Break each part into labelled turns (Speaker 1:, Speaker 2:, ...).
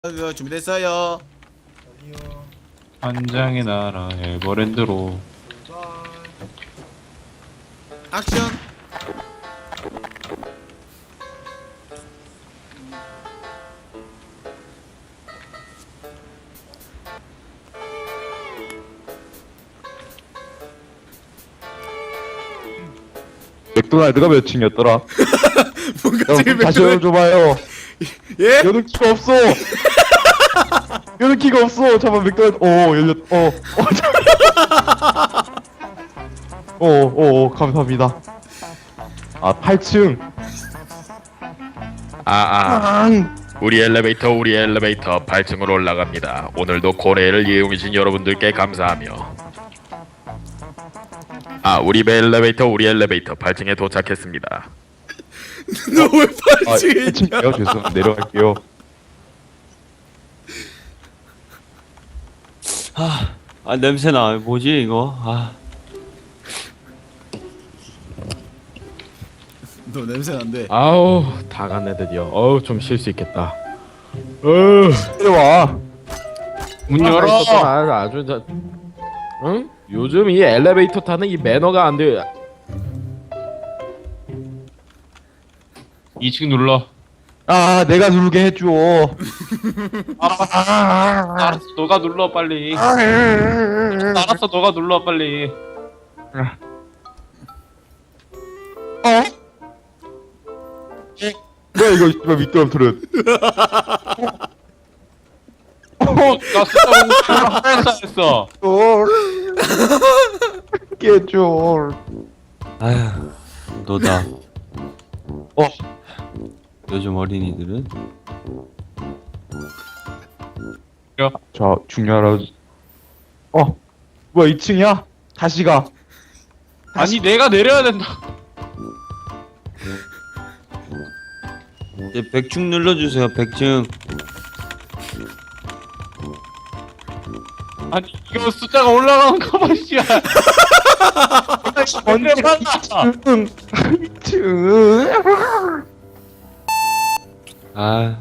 Speaker 1: 준비됐어요.
Speaker 2: 아니요.
Speaker 3: 한장의 나라 에버랜드로.
Speaker 1: 액션.
Speaker 4: 맥도날드가 몇 층이었더라?
Speaker 1: 뭔가 지금
Speaker 4: 다시 열어줘봐요.
Speaker 1: 예?
Speaker 4: 여는 키가 없어. 여는 키가 없어. 잠깐 맥도날드. 열렸. 감사합니다. 8층.
Speaker 5: 우리 엘리베이터 8층으로 올라갑니다. 오늘도 고래를 이용해주신 여러분들께 감사하며 우리 엘리베이터 8층에 도착했습니다.
Speaker 1: 너 왜 팔찌
Speaker 4: 1층이요? 죄송. 내려갈게요.
Speaker 3: 냄새나. 뭐지 이거?
Speaker 1: 너 냄새 난대.
Speaker 6: 아우 다 갔네 드디어. 좀 쉴 수 있겠다.
Speaker 4: 내려와.
Speaker 3: 문 열어.
Speaker 6: 아주 응? 요즘 이 엘리베이터 타는 이 매너가 안 돼.
Speaker 3: 2층 눌러.
Speaker 4: 내가 누르게 해줘.
Speaker 3: 알았어, 너가 눌러 빨리. 알았어, 너가 눌러 빨리.
Speaker 4: 뭐야 이거 이거 미끄럼틀은.
Speaker 3: 나 숫자 했어.
Speaker 4: 깨줘.
Speaker 7: 아휴, 너다. 요즘 어린이들은
Speaker 4: 자, 중요하라. 뭐야 2층이야? 다시 가.
Speaker 3: 아니 내가 내려야 된다.
Speaker 7: 이제 100층 눌러주세요. 100층.
Speaker 3: 아니 이거 숫자가 올라가는 거 봐, 씨야.
Speaker 4: 언제 2층. 2층.
Speaker 7: 아,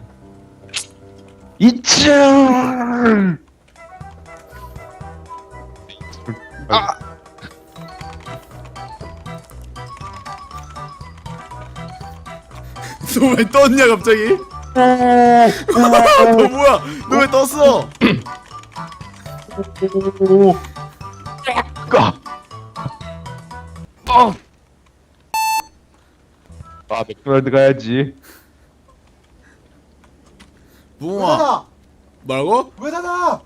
Speaker 4: 2층.
Speaker 1: 너 왜 떴냐 갑자기? 너 뭐야? 너 왜 떴어?
Speaker 4: 맥도날드 가야지.
Speaker 1: 붕어. 뭐라고?
Speaker 2: 왜 닫아?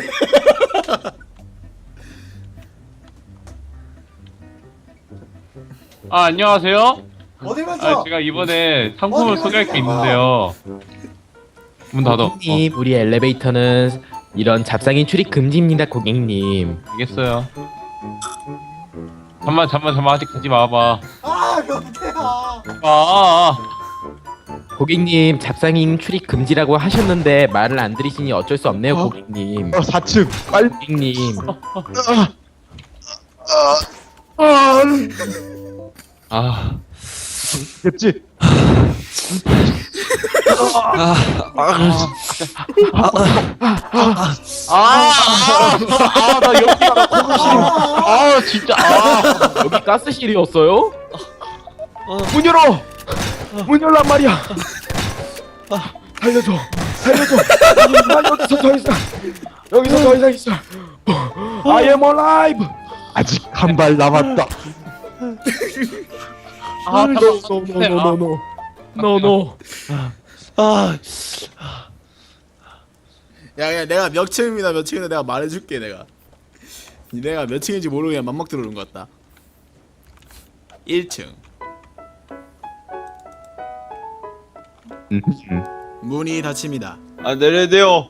Speaker 3: 안녕하세요.
Speaker 2: 어딜 만져?
Speaker 3: 제가 이번에 상품을 소개할 게 있는데요. 문 닫아.
Speaker 6: 고객님, 우리 엘리베이터는 이런 잡상인 출입 금지입니다, 고객님.
Speaker 3: 알겠어요. 잠만 아직 가지 마봐.
Speaker 2: 몇 개야?
Speaker 6: 고객님, 잡상인 출입 금지라고 하셨는데 말을 안 들으시니 어쩔 수 없네요, 고객님.
Speaker 4: 4층. 빨리.
Speaker 6: 고객님.
Speaker 4: 됐지?
Speaker 6: 나 여기가 고급실. 진짜. 여기 가스실이었어요? 문 열어. 문 열란 말이야. 살려줘. 난 여기서 더 이상. 있어. I am alive.
Speaker 4: 아직 한 발 남았다.
Speaker 6: No.
Speaker 1: 야, 내가 몇 층입니다. 몇 층인데 내가 말해줄게 내가. 내가 몇 층인지 모르고 그냥 맘막 들어오는 것 같다. 1층. 문이 닫힙니다.
Speaker 7: 내려야 돼요.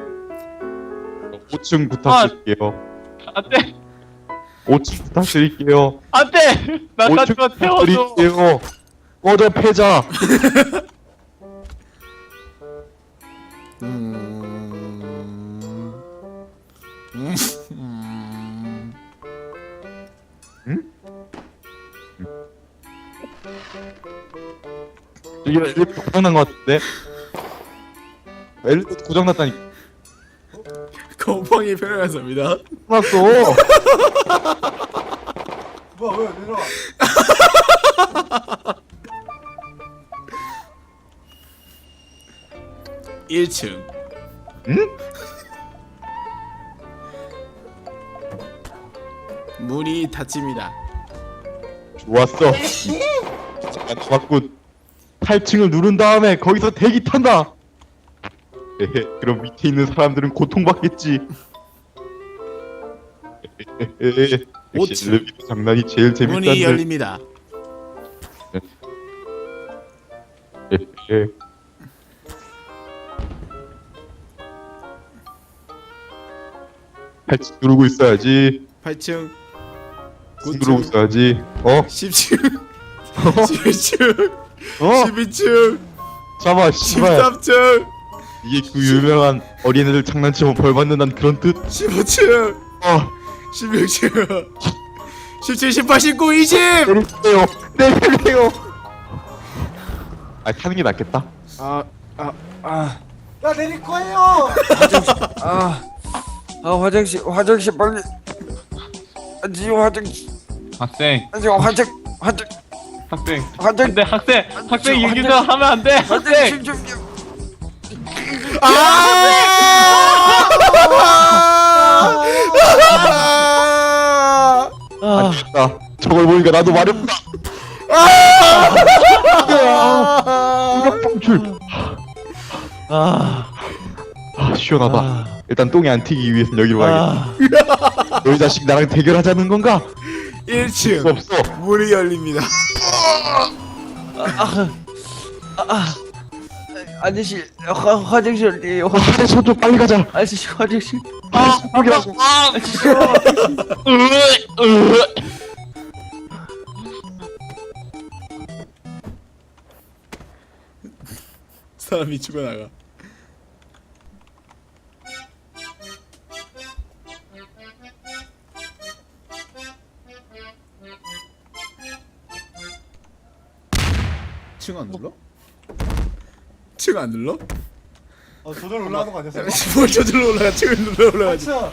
Speaker 4: 5층 부탁드릴게요.
Speaker 3: 안돼.
Speaker 4: 5층 부탁드릴게요.
Speaker 3: 안돼. 나
Speaker 4: 5층
Speaker 3: 가지마 태워줘.
Speaker 4: 부탁드릴게요. 꺼져 패자. 이게 고장난 것 같은데? 엘리베이터 고장났다니까.
Speaker 1: 곰팡이 편향해서입니다.
Speaker 4: 났어.
Speaker 2: 뭐야 왜 내려와?
Speaker 1: 1층.
Speaker 4: 응?
Speaker 1: 문이 닫힙니다.
Speaker 4: 좋았어. 잠깐 좋았군. 8층을 누른 다음에 거기서 대기 탄다. 에헤, 그럼 밑에 있는 사람들은 고통받겠지. 에헤헤, 역시
Speaker 1: 5층.
Speaker 4: 엘리베이터 장난이 제일
Speaker 1: 문이
Speaker 4: 재밌단들.
Speaker 1: 열립니다.
Speaker 4: 에헤. 팔찌 누르고 있어야지.
Speaker 1: 8층.
Speaker 4: 누르고
Speaker 1: 9층.
Speaker 4: 있어야지. 어?
Speaker 1: 10층. 11층.
Speaker 4: 어?
Speaker 1: 12층.
Speaker 4: 잡아, 씨발.
Speaker 1: 13층.
Speaker 4: 이게 그 유명한 어린애들 장난치면 벌 받는다는 그런 뜻?
Speaker 1: 15층.
Speaker 4: 어,
Speaker 1: 16층. 17, 18, 19, 20.
Speaker 4: 내리세요. 내리세요. 아, 타는 게 낫겠다.
Speaker 2: 야 내릴 거예요.
Speaker 7: 화장실 빨리. 지금 화장실.
Speaker 3: 학생
Speaker 7: 지금 화장.
Speaker 3: 근데 학생 얘기도 하면 안돼 학생.
Speaker 7: 좀.
Speaker 4: 아, 저걸 보니까 나도 마렵다. 이거 뻥출. 시원하다. 일단 똥이 안 튀기 위해선 여기로 가야겠다. 너희 자식 나랑 대결하자는 건가?
Speaker 1: 1층.
Speaker 4: 없어.
Speaker 1: 문이 열립니다.
Speaker 7: 아저씨 화장실이에요.
Speaker 4: 화장실 좀 빨리 가자.
Speaker 7: 아저씨 화장실.
Speaker 4: 여기라고.
Speaker 1: 사람이 죽어나가. 층 안 눌러? 층 안 눌러?
Speaker 2: 저절 올라가는 거 아니었어?
Speaker 1: 뭘 저절로 올라가? 층을 눌러 올라가지.
Speaker 2: 맞죠?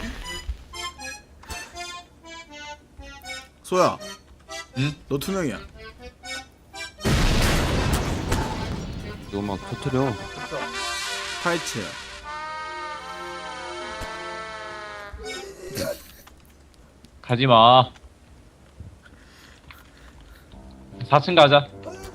Speaker 1: 소야.
Speaker 3: 응?
Speaker 1: 너 투명이야.
Speaker 7: 너 막 터트려.
Speaker 1: 파이츠.
Speaker 3: 가지마. 4층 가자.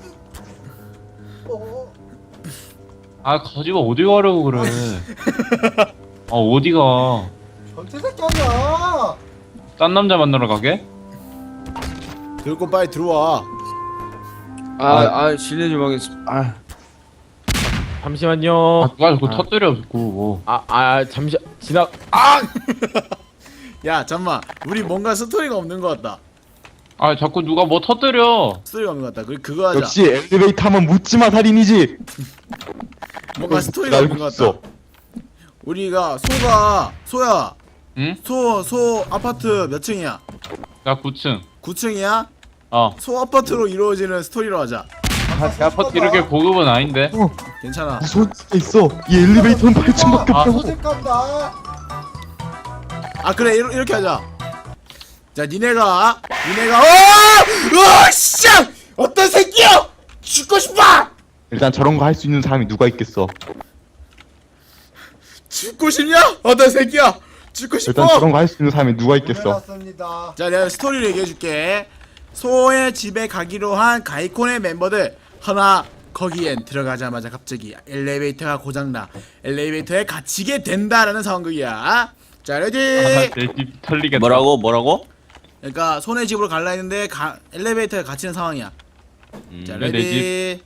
Speaker 3: 아 가지마 어디 가려고 그래. 아 어디가?
Speaker 2: 전체 새끼 아니야.
Speaker 3: 딴 남자 만나러 가게?
Speaker 1: 들고 빨리 들어와.
Speaker 7: 실례 좀 하겠습니다.
Speaker 6: 잠시만요.
Speaker 3: 누가 자꾸 터뜨려 자꾸 뭐.
Speaker 6: 잠시 지나.
Speaker 1: 야 잠만. 우리 뭔가 스토리가 없는 것 같다.
Speaker 3: 아 자꾸 누가 뭐 터뜨려.
Speaker 1: 스토리가 없는 것 같다. 그거 하자.
Speaker 4: 역시 엘리베이터 하면 묻지마 살인이지.
Speaker 1: 뭔가 스토리가 없는 것 같다. 우리가 소야.
Speaker 3: 응?
Speaker 1: 소 아파트 몇 층이야?
Speaker 3: 나 9층.
Speaker 1: 9층이야?
Speaker 3: 어.
Speaker 1: 소 아파트로 이루어지는 스토리로 하자.
Speaker 3: 내 아파트 이렇게 고급은 아닌데.
Speaker 1: 괜찮아.
Speaker 4: 무서운 게 있어. 이 엘리베이터는 8층밖에
Speaker 3: 아.
Speaker 4: 없다고.
Speaker 2: 소색 간다.
Speaker 1: 아 그래 이렇게 하자. 자 니네가 씨! 어떤 새끼야! 죽고 싶어!
Speaker 4: 일단 저런 거 할 수 있는 사람이 누가 있겠어.
Speaker 1: 죽고 싶냐? 어떤 새끼야! 죽고
Speaker 4: 일단
Speaker 1: 싶어!
Speaker 4: 저런 거 할 수 있는 사람이 누가 있겠어.
Speaker 2: 올려놨습니다.
Speaker 1: 자 내가 스토리를 얘기해줄게. 소의 집에 가기로 한 가이콘의 멤버들 하나 거기엔 들어가자마자 갑자기 엘리베이터가 고장나 엘리베이터에 갇히게 된다라는 상황극이야. 자 레디.
Speaker 3: 내집 털리겠다.
Speaker 7: 뭐라고?
Speaker 1: 그러니까 손의 집으로 갈라 했는데 엘리베이터에 갇히는 상황이야. 자
Speaker 3: 내
Speaker 1: 레디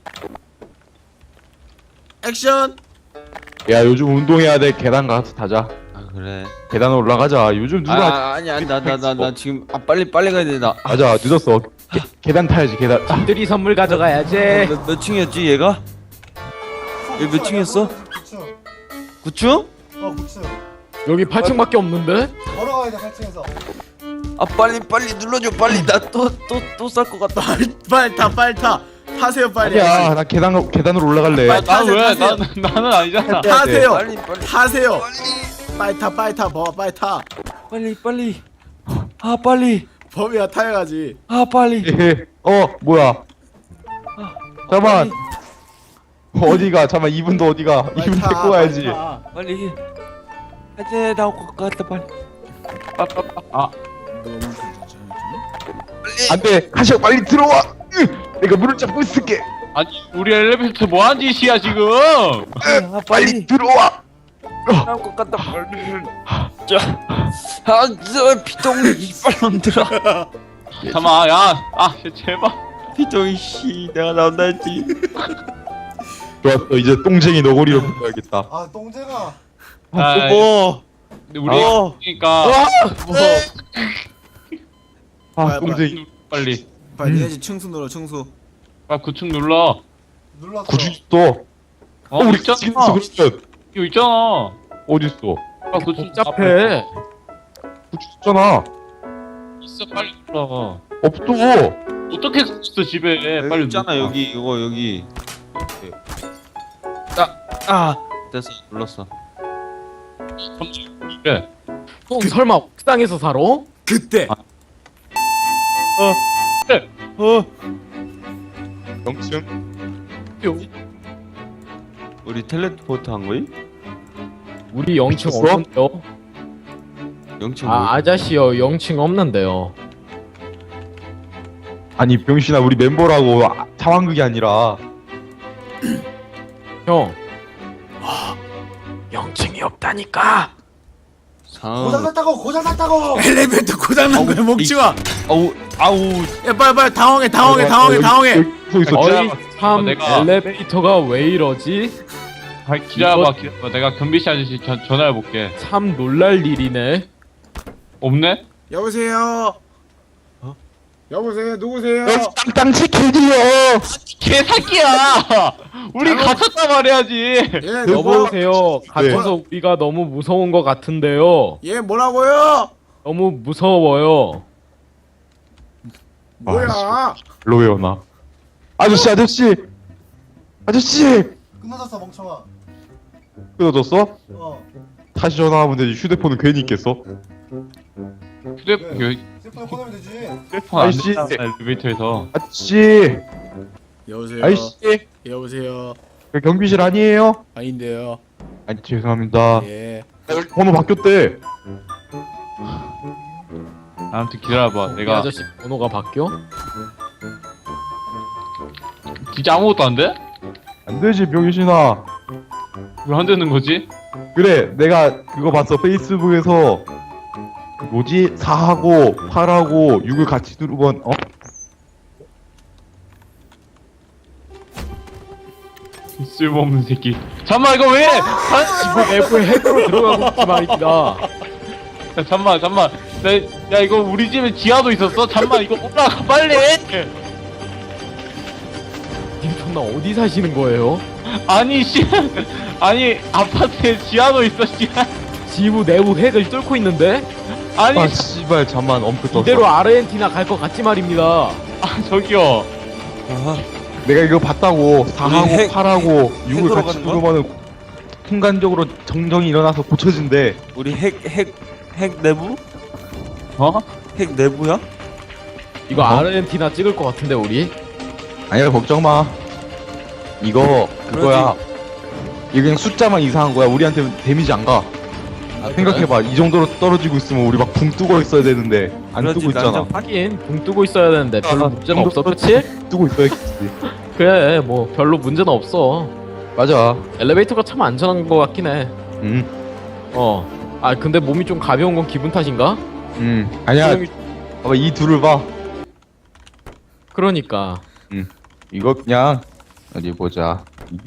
Speaker 1: 액션.
Speaker 4: 야 요즘 운동해야 돼. 계단 가서 타자.
Speaker 7: 아 그래.
Speaker 4: 계단 올라가자. 요즘 누가
Speaker 7: 아니 나 지금 빨리 가야 돼 나.
Speaker 4: 맞아 늦었어. 계단 타야지 계단.
Speaker 6: 들이 선물 가져가야지.
Speaker 7: 몇 층이었지 얘가? 얘 몇 층이었어?
Speaker 2: 9층.
Speaker 7: 9층?
Speaker 2: 9층.
Speaker 6: 여기 8층밖에 없는데?
Speaker 2: 걸어가야 돼 8층에서.
Speaker 7: 아 빨리 눌러줘 빨리 나 또 쌀 것 같다.
Speaker 1: 빨리 타. 타세요 빨리.
Speaker 4: 야, 나 계단으로 올라갈래.
Speaker 1: 빨리
Speaker 3: 나는 왜?
Speaker 1: 타세요.
Speaker 3: 나는 아니잖아.
Speaker 1: 타세요.
Speaker 7: 빨리
Speaker 1: 타세요. 빨리 타 빨리 타 범아 빨리 타.
Speaker 7: 빨리. 아 빨리.
Speaker 1: 범이가 타야지.
Speaker 7: 아 빨리.
Speaker 4: 뭐야? 잠깐만. 어디가? 잠깐만, 이분도 어디가?
Speaker 1: 빨리
Speaker 4: 이분
Speaker 1: 타,
Speaker 4: 데리고 가야지.
Speaker 1: 빨리 타.
Speaker 7: 빨리. 이제 나올 것 같다 빨리.
Speaker 3: 아,
Speaker 1: 너무 괜찮지?
Speaker 4: 안 돼. 하시오, 빨리 들어와. 내가 문을 잡고 있을게.
Speaker 3: 아니 우리 엘리베이터 뭐한 짓이야 지금?
Speaker 7: 아
Speaker 4: 빨리 들어와.
Speaker 7: 나올 것 같다 빨리. 저 피똥이 이빨놈들아.
Speaker 3: 잠깐만, 제발.
Speaker 7: 피똥이 씨 내가 나온다 했지.
Speaker 4: 좋았어. 이제 똥쟁이 너구리로 불러야겠다.
Speaker 2: 아 똥쟁아.
Speaker 7: 뭐?
Speaker 3: 근데 우리 그러니까
Speaker 4: 아, 똥쟁이.
Speaker 3: 빨리
Speaker 1: 빨리 해야지. 충수 눌러 충수.
Speaker 3: 빨리 구축 눌러.
Speaker 2: 눌렀어.
Speaker 4: 구주도. 우리
Speaker 3: 있잖아.
Speaker 4: 지금 그러면
Speaker 3: 이거 있잖아.
Speaker 4: 어디 있어?
Speaker 3: 빨리 구축
Speaker 6: 복잡해.
Speaker 4: 구주잖아.
Speaker 3: 있어 빨리 눌러.
Speaker 4: 없어.
Speaker 3: 어떻게 있어 집에? 빨리
Speaker 7: 있잖아
Speaker 3: 눌러.
Speaker 7: 여기 이거 여기. 됐어 눌렀어.
Speaker 3: 그래.
Speaker 6: 형 설마 옥상에서 살아?
Speaker 1: 그때.
Speaker 4: 영층.
Speaker 7: 우리 텔레포트 한 거임?
Speaker 6: 우리 0층
Speaker 4: 있었어?
Speaker 6: 없는데요?
Speaker 7: 영층
Speaker 6: 아저씨요 0층 없는데요.
Speaker 4: 아니, 병신아, 우리 멤버라고 상황극이 아니라.
Speaker 6: 형 0층이 없다니까.
Speaker 2: 고장 났다고.
Speaker 1: 엘리베이터 고장난 거야 목치마.
Speaker 7: 아우
Speaker 1: 야 빨리 당황해.
Speaker 4: 서 있어.
Speaker 6: 어이 참
Speaker 3: 내가-
Speaker 6: 엘리베이터가 왜 이러지?
Speaker 3: 기다려봐. 내가 경비씨 아저씨 전화해 볼게.
Speaker 6: 참 놀랄 일이네.
Speaker 3: 없네?
Speaker 1: 여보세요. 여보세요. 누구세요?
Speaker 4: 땅땅 치킨이요.
Speaker 3: 개새끼야! 우리 갇혔단 말이야지.
Speaker 1: 예,
Speaker 6: 여보세요. 갇혀서 우리가 너무 무서운 것 같은데요.
Speaker 1: 예, 뭐라고요?
Speaker 6: 너무 무서워요.
Speaker 1: 뭐야?
Speaker 4: 일로 외워놔. 아저씨.
Speaker 2: 끝나졌어 멍청아.
Speaker 4: 끊어졌어?
Speaker 2: 어.
Speaker 4: 다시 전화하면 되지. 휴대폰은 괜히 있겠어?
Speaker 3: 휴대폰
Speaker 2: 슬픈 꺼내면 되지.
Speaker 3: 휴대폰 안
Speaker 4: 아저씨.
Speaker 3: 된다 엘리베이터에서.
Speaker 4: 아저씨.
Speaker 1: 여보세요.
Speaker 4: 아저씨.
Speaker 1: 여보세요.
Speaker 4: 그 경비실 아니에요?
Speaker 1: 아닌데요.
Speaker 4: 아니, 죄송합니다.
Speaker 1: 예.
Speaker 4: 번호 바뀌었대.
Speaker 3: 아무튼 기다려봐.
Speaker 6: 이
Speaker 3: 내가
Speaker 6: 아저씨 번호가 바뀌어?
Speaker 3: 진짜 아무것도 안 돼?
Speaker 4: 안 되지, 병신아.
Speaker 3: 왜 안 되는 거지?
Speaker 4: 그래, 내가 그거 봤어. 페이스북에서 뭐지? 4하고 8하고 6을 같이 누르면
Speaker 3: 쓸모없는 새끼. 잠만 이거 왜?
Speaker 6: 지구 내부에 핵으로 들어가고 있지 말입니다.
Speaker 3: 야, 잠만. 야 이거 우리 집에 지하도 있었어? 잠만 이거 올라가 빨리.
Speaker 6: 님나 어디 사시는 거예요?
Speaker 3: 아니 아니 아파트에 지하도 있어 씨.
Speaker 6: 지구 내부 핵을 뚫고 있는데?
Speaker 3: 아니
Speaker 4: 아, 씨발, 잠만 엄프 떴어.
Speaker 6: 이대로 아르헨티나 갈 것 같지 말입니다.
Speaker 3: 저기요.
Speaker 4: 내가 이거 봤다고. 4하고
Speaker 7: 핵-
Speaker 4: 8하고 6을
Speaker 7: 핵으로
Speaker 4: 같이
Speaker 7: 가는 거야?
Speaker 4: 누르면은 순간적으로 정정이 일어나서 고쳐진대.
Speaker 7: 우리 핵 내부?
Speaker 3: 어?
Speaker 7: 핵 내부야?
Speaker 6: 이거 아르헨티나 찍을 것 같은데 우리?
Speaker 4: 아니야, 걱정 마. 이거 그거야. 이거 그냥 숫자만 이상한 거야. 우리한테 데미지 안 가. 생각해봐. 이 정도로 떨어지고 있으면 우리 막 붕 뜨고 있어야 되는데 안
Speaker 7: 그렇지,
Speaker 4: 뜨고 있잖아.
Speaker 7: 난장
Speaker 6: 하긴 붕 뜨고 있어야 되는데 별로 문제는 없어, 그치?
Speaker 4: 뜨고 있어야겠지.
Speaker 6: 그래 뭐 별로 문제는 없어.
Speaker 4: 맞아.
Speaker 6: 엘리베이터가 참 안전한 것 같긴 해. 아 근데 몸이 좀 가벼운 건 기분 탓인가?
Speaker 4: 아니야.
Speaker 6: 소영이-
Speaker 4: 봐봐, 이 둘을 봐.
Speaker 6: 그러니까
Speaker 4: 이거 그냥 어디 보자.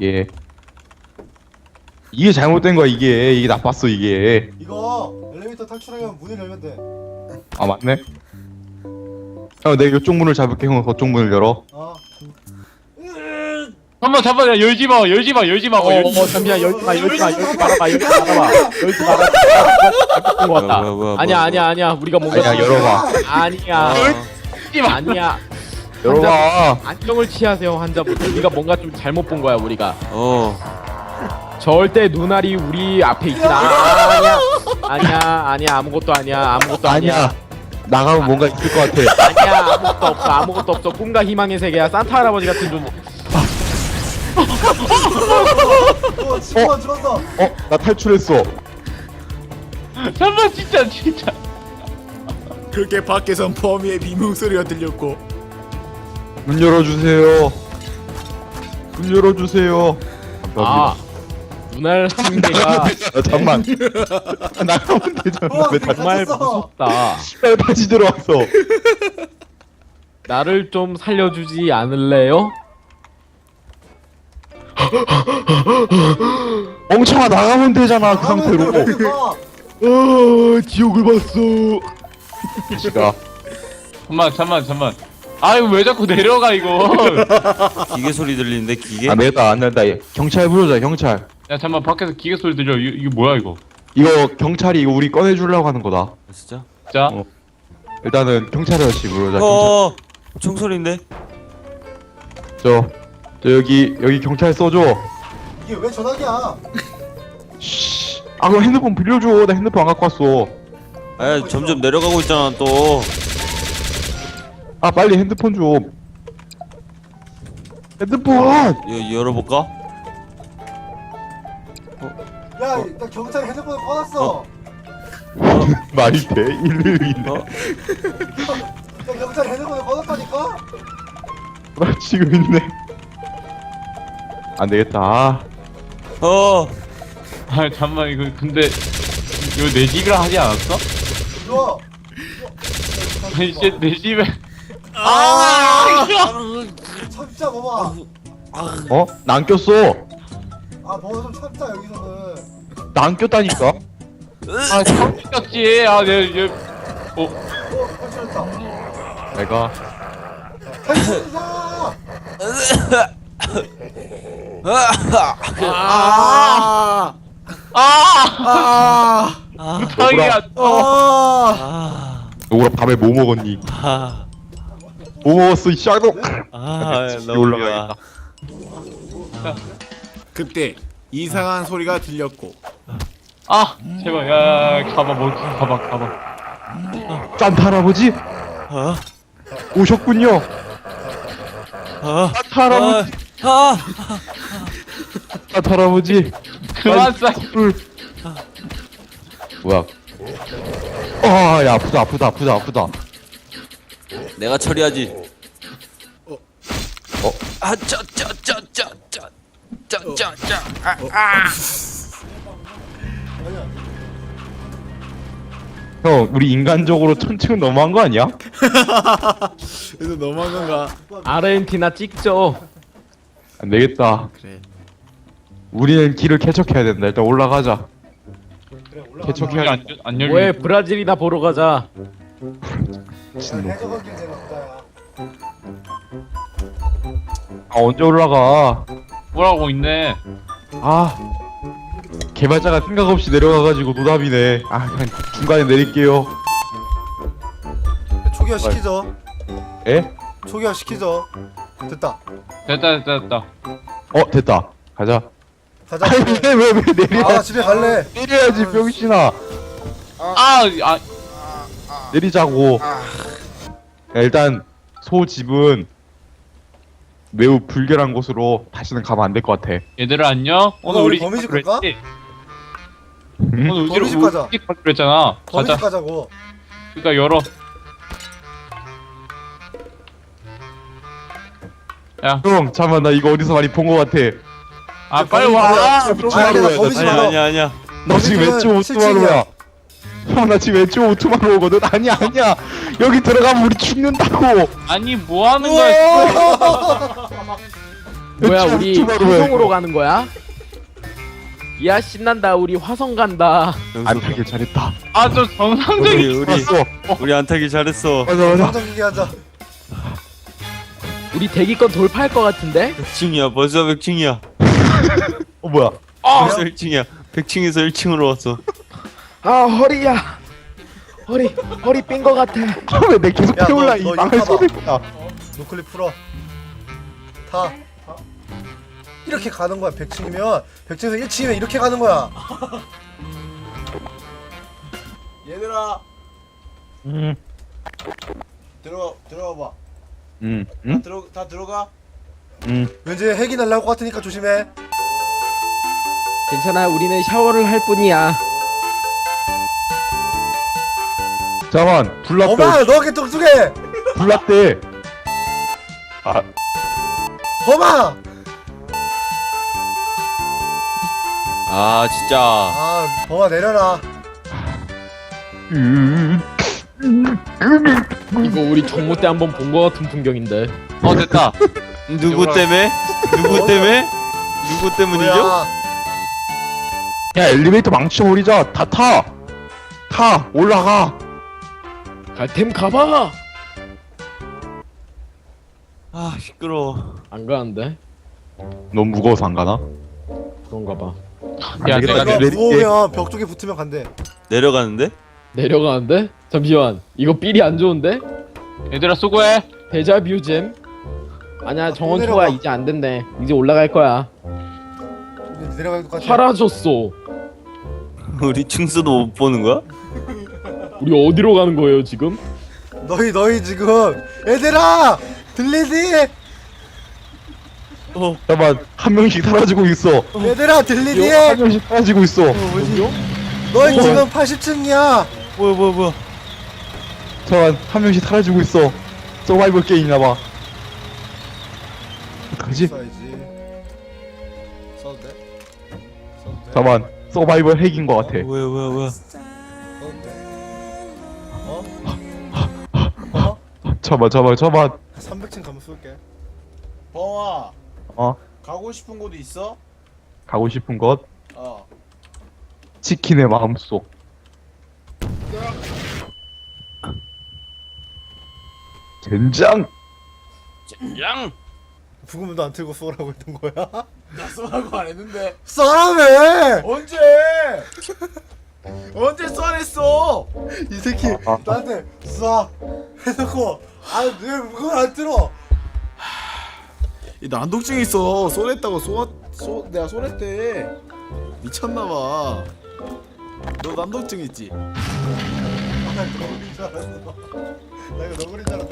Speaker 4: 이게 잘못된 거야. 이게 나빴어. 이게.
Speaker 2: 이거 엘리베이터 탈출하려면 문을 열면 돼.
Speaker 4: 아, 맞네. 형, 내가 이쪽 문을 잡을게. 형은 저쪽 문을 열어.
Speaker 2: 어.
Speaker 3: 잠만 야 열지 마.
Speaker 6: 잠시만 열지 말아봐 열지 말아봐 잘못된 것 같다.
Speaker 7: 뭐야,
Speaker 6: 아니야 우리가 뭔가
Speaker 4: 아니야, 열어봐.
Speaker 6: 아니야
Speaker 3: 열지 마.
Speaker 6: 아니야
Speaker 4: 열어봐.
Speaker 6: 안정을 취하세요 환자분들. 우리가 뭔가 좀 잘못 본 거야 우리가. 절대 눈알이 우리 앞에 있진 않아. 아니야 아무것도 아니야
Speaker 4: 아니야. 나가면 뭔가 있을 것 같아.
Speaker 6: 아니야 아무것도 없어 꿈과 희망의 세계야. 산타 할아버지 같은 존재.
Speaker 2: 친구가 죽었어.
Speaker 4: 나 탈출했어.
Speaker 3: 잠만 진짜.
Speaker 1: 그렇게 밖에선 범이의 비명 소리가 들렸고
Speaker 4: 문 열어주세요. 문 열어주세요.
Speaker 6: 아 눈알 한 개가
Speaker 4: 잠만. 나가면 되잖아. 왜 다,
Speaker 6: 정말
Speaker 2: 갇혔어.
Speaker 6: 무섭다.
Speaker 4: 왜 다시 들어왔어?
Speaker 6: 나를 좀 살려주지 않을래요?
Speaker 4: 멍청아 나가면 되잖아 그 상태로. 지옥을 봤어. 시가
Speaker 3: 잠만. 아유 왜 자꾸 내려가 이거.
Speaker 7: 기계 소리 들리는데 기계?
Speaker 4: 안 되겠다 안 된다. 경찰 부르자 경찰.
Speaker 3: 야 잠만 밖에서 기계 소리 들려. 이게 뭐야 이거?
Speaker 4: 이거 경찰이 이거 우리 꺼내주려고 하는 거다.
Speaker 7: 진짜?
Speaker 3: 자.
Speaker 4: 일단은 경찰 아저씨 부르자. 경찰.
Speaker 7: 총소리인데?
Speaker 4: 저 여기 경찰 써줘.
Speaker 2: 이게 왜 전화기야?
Speaker 4: 씨. 아 그럼 핸드폰 빌려줘. 나 핸드폰 안 갖고 왔어.
Speaker 7: 아 점점 내려가고 있잖아 또.
Speaker 4: 아 빨리 핸드폰 좀. 핸드폰.
Speaker 7: 열어볼까?
Speaker 2: 야, 나 경찰 핸드폰을 꺼놨어.
Speaker 4: 말이 돼? 112인데.
Speaker 2: 나 경찰 핸드폰을 꺼놨다니까?
Speaker 4: 나 지금 있네. 안 되겠다.
Speaker 3: 아 잠만 이거 근데 이거 내 집이라 하지 않았어?
Speaker 2: 이거.
Speaker 3: 아니 진짜 내 집에.
Speaker 2: 참자, 뭐마.
Speaker 4: 나 안 꼈어.
Speaker 2: 아, 뭐가 좀 참자, 여기서는.
Speaker 4: 나 안 꼈다니까.
Speaker 3: 아 깜짝이야. 아내
Speaker 2: 탈출했다.
Speaker 4: 내가
Speaker 2: 탈출이다!
Speaker 3: 자기야.
Speaker 4: 너구라 밤에 뭐 먹었니? 뭐 먹었어 이 샤도.
Speaker 7: 너무
Speaker 4: 올라가야겠다.
Speaker 1: 그때 이상한 소리가 들렸고
Speaker 3: 아 제발 야 가봐 뭐 가봐.
Speaker 4: 짠타 할아버지 오셨군요. 짠타 할아버지. 짠타 할아버지.
Speaker 3: 그만 싸.
Speaker 4: 뭐야? 야 아프다.
Speaker 7: 내가 처리하지.
Speaker 4: 형 우리 인간적으로 1000층은 너무한 거 아니야?
Speaker 1: 그래서 너무한 건가?
Speaker 6: 아르헨티나 찍죠.
Speaker 4: 안 되겠다.
Speaker 1: 그래
Speaker 4: 우리는 길을 개척해야 된다. 일단 올라가자. 개척해야 돼.
Speaker 3: 안 열리.
Speaker 6: 뭐해 브라질이나 보러 가자.
Speaker 2: 해적은 길 내가 부자야.
Speaker 4: 언제 올라가?
Speaker 3: 뭐라고 있네.
Speaker 4: 개발자가 생각 없이 내려가가지고 노답이네. 그냥 중간에 내릴게요.
Speaker 2: 초기화 시키죠.
Speaker 4: 에?
Speaker 2: 초기화 시키죠. 됐다.
Speaker 3: 됐다.
Speaker 4: 됐다. 가자.
Speaker 2: 가자.
Speaker 4: 왜 내려?
Speaker 2: 집에 갈래.
Speaker 4: 내려야지 병신아. 내리자고. 야, 일단 소 집은 매우 불결한 곳으로 다시는 가면 안 될 것 같아.
Speaker 3: 얘들아 안녕. 오늘 우리
Speaker 2: 범이 집
Speaker 3: 가기로
Speaker 2: 갈까?
Speaker 3: 했지?
Speaker 4: 응?
Speaker 3: 오늘
Speaker 2: 범이 집 가자.
Speaker 3: 우리 집 가기로 했잖아.
Speaker 2: 범이
Speaker 3: 가자.
Speaker 2: 집 가자고.
Speaker 3: 그러니까 열어. 야,
Speaker 4: 형 잠깐만 나 이거 어디서 많이 본 것 같아.
Speaker 3: 빨리 와.
Speaker 2: 아니, 나 범이 집 가자.
Speaker 7: 아니야.
Speaker 4: 너 지금 왼쪽 오토마로야. 형 나 지금 왼쪽 오토마로거든. 아니야 여기 들어가면 우리 죽는다고.
Speaker 3: 아니 뭐 하는 거야?
Speaker 6: 뭐야
Speaker 4: 왼쪽
Speaker 6: 우리
Speaker 4: 오토마로야,
Speaker 6: 화성으로
Speaker 4: 이거.
Speaker 6: 가는 거야? 야 신난다 우리 화성 간다.
Speaker 4: 안 타길 잘했다.
Speaker 3: 좀 정상적인.
Speaker 7: 우리 안 타기 잘했어.
Speaker 4: 맞아.
Speaker 2: 정정 기기하자.
Speaker 6: 우리 대기권 돌파할 것 같은데?
Speaker 7: 100층이야. 벌써 100층이야.
Speaker 4: 뭐야?
Speaker 7: 벌써 1층이야. 100층에서 1층으로 왔어.
Speaker 6: 허리 삔 것 같아.
Speaker 4: 왜 내 계속
Speaker 2: 야,
Speaker 4: 태울라
Speaker 2: 너
Speaker 4: 이
Speaker 2: 이거
Speaker 4: 망할
Speaker 2: 봐봐.
Speaker 4: 소리야.
Speaker 2: 노클릭 풀어. 타. 이렇게 가는 거야. 100층이면 100층에서 1층이면 이렇게 가는 거야.
Speaker 1: 얘들아
Speaker 4: 음.
Speaker 1: 들어가 봐.
Speaker 4: 응?
Speaker 1: 다 들어가.
Speaker 2: 왠지 핵이 날라올 것 같으니까 조심해.
Speaker 6: 괜찮아, 우리는 샤워를 할 뿐이야.
Speaker 4: 잠깐만 불났대.
Speaker 2: 범아 너 이렇게 뚱뚱해.
Speaker 4: 불났대. 아
Speaker 2: 범아.
Speaker 7: 아 진짜.
Speaker 2: 아 범아 내려라.
Speaker 6: 이거 우리 정모 때 한번 본 거 같은 풍경인데.
Speaker 3: 어 됐다.
Speaker 7: 누구 때문에? 누구 때문에? 누구 때문이죠?
Speaker 2: 뭐야?
Speaker 4: 야 엘리베이터 망쳐버리자. 다 타. 타 올라가.
Speaker 6: 갈템 가봐.
Speaker 7: 아 시끄러워.
Speaker 6: 안 가는데?
Speaker 4: 너무 무거워서 안 가나?
Speaker 6: 그런가 봐.
Speaker 3: 야
Speaker 4: 안 되겠다.
Speaker 3: 내가
Speaker 2: 이거
Speaker 4: 내릴게.
Speaker 2: 무거우면 벽 쪽에 붙으면 간대.
Speaker 7: 내려가는데?
Speaker 6: 내려가는데? 잠시만. 이거 삘이 안 좋은데?
Speaker 3: 얘들아 수고해.
Speaker 6: 데자뷰잼? 아니야, 정원
Speaker 2: 내려가.
Speaker 6: 초과 이제 안 된대. 이제 올라갈 거야.
Speaker 2: 이제 내려갈 것 같아.
Speaker 6: 사라졌어.
Speaker 7: 우리 층수도 못 보는 거야?
Speaker 6: 우리 어디로 가는 거예요 지금?
Speaker 2: 너희 지금 얘들아 들리지?
Speaker 4: 잠깐만 한 명씩 사라지고 있어.
Speaker 2: 얘들아 들리지?
Speaker 4: 한 명씩 사라지고 있어.
Speaker 2: 너희 지금 80층이야.
Speaker 7: 뭐야?
Speaker 4: 잠깐 한 명씩 사라지고 있어. 서바이벌 게임이나봐. 어떡하지?
Speaker 2: 써야지. 써도 돼? 써도 돼?
Speaker 4: 잠깐 서바이벌 핵인 것 같아.
Speaker 7: 뭐야?
Speaker 2: 써도 돼? 어?
Speaker 4: 잠깐
Speaker 2: 300층 가면 쏠게.
Speaker 1: 범아
Speaker 4: 어?
Speaker 1: 가고 싶은 곳 있어?
Speaker 4: 가고 싶은 곳
Speaker 1: 어.
Speaker 4: 치킨의 마음속. 젠장.
Speaker 7: 양.
Speaker 2: 부금도 안 틀고 쏘라고 했던 거야?
Speaker 1: 나 쏘라고 안 했는데.
Speaker 2: 쏘라며!
Speaker 1: 언제? 언제 쏘랬어?
Speaker 2: 이 새끼 나한테 쏴 해놓고 아왜 그걸 안 틀어?
Speaker 1: 이 난독증이 있어. 쏘랬다고 내가 쏘랬대. 미쳤나봐. 너 난독증 있지?
Speaker 2: 나 너구리인 줄 알았어. 나 이거 너구리인 줄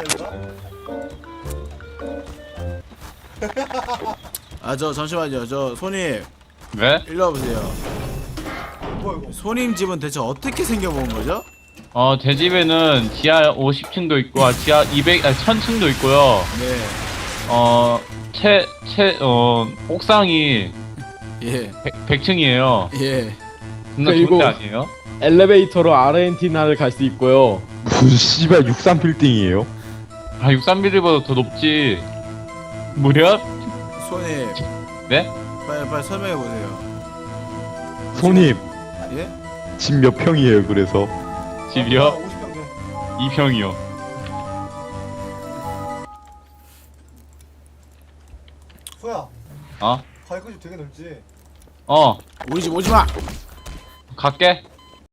Speaker 2: 알았다.
Speaker 1: 아 저 잠시만요. 저 손님
Speaker 3: 왜?
Speaker 1: 일로 와보세요.
Speaker 2: 뭐야 이거?
Speaker 1: 손님 집은 대체 어떻게 생겨본 거죠?
Speaker 3: 제 집에는 지하 50층도 있고 지하 1000층도 있고요.
Speaker 1: 네.
Speaker 3: 옥상이
Speaker 1: 예.
Speaker 3: 100층이에요.
Speaker 1: 예.
Speaker 3: 존나
Speaker 6: 그리고-
Speaker 3: 좋은데 아니에요?
Speaker 6: 엘리베이터로 아르헨티나를 갈 수 있고요.
Speaker 4: 무슨 씨발 63 빌딩이에요?
Speaker 3: 아 63빌리보다 더 높지. 무려?
Speaker 1: 손님
Speaker 3: 네?
Speaker 1: 빨리 설명해 보세요.
Speaker 4: 손님
Speaker 1: 예?
Speaker 4: 집 몇 평이에요? 그래서
Speaker 3: 집이요?
Speaker 2: 50평 돼.
Speaker 3: 2평이요.
Speaker 2: 소야.
Speaker 3: 어?
Speaker 2: 가이코 집 되게 넓지?
Speaker 3: 어
Speaker 1: 우리 집 오지 마.
Speaker 3: 갈게.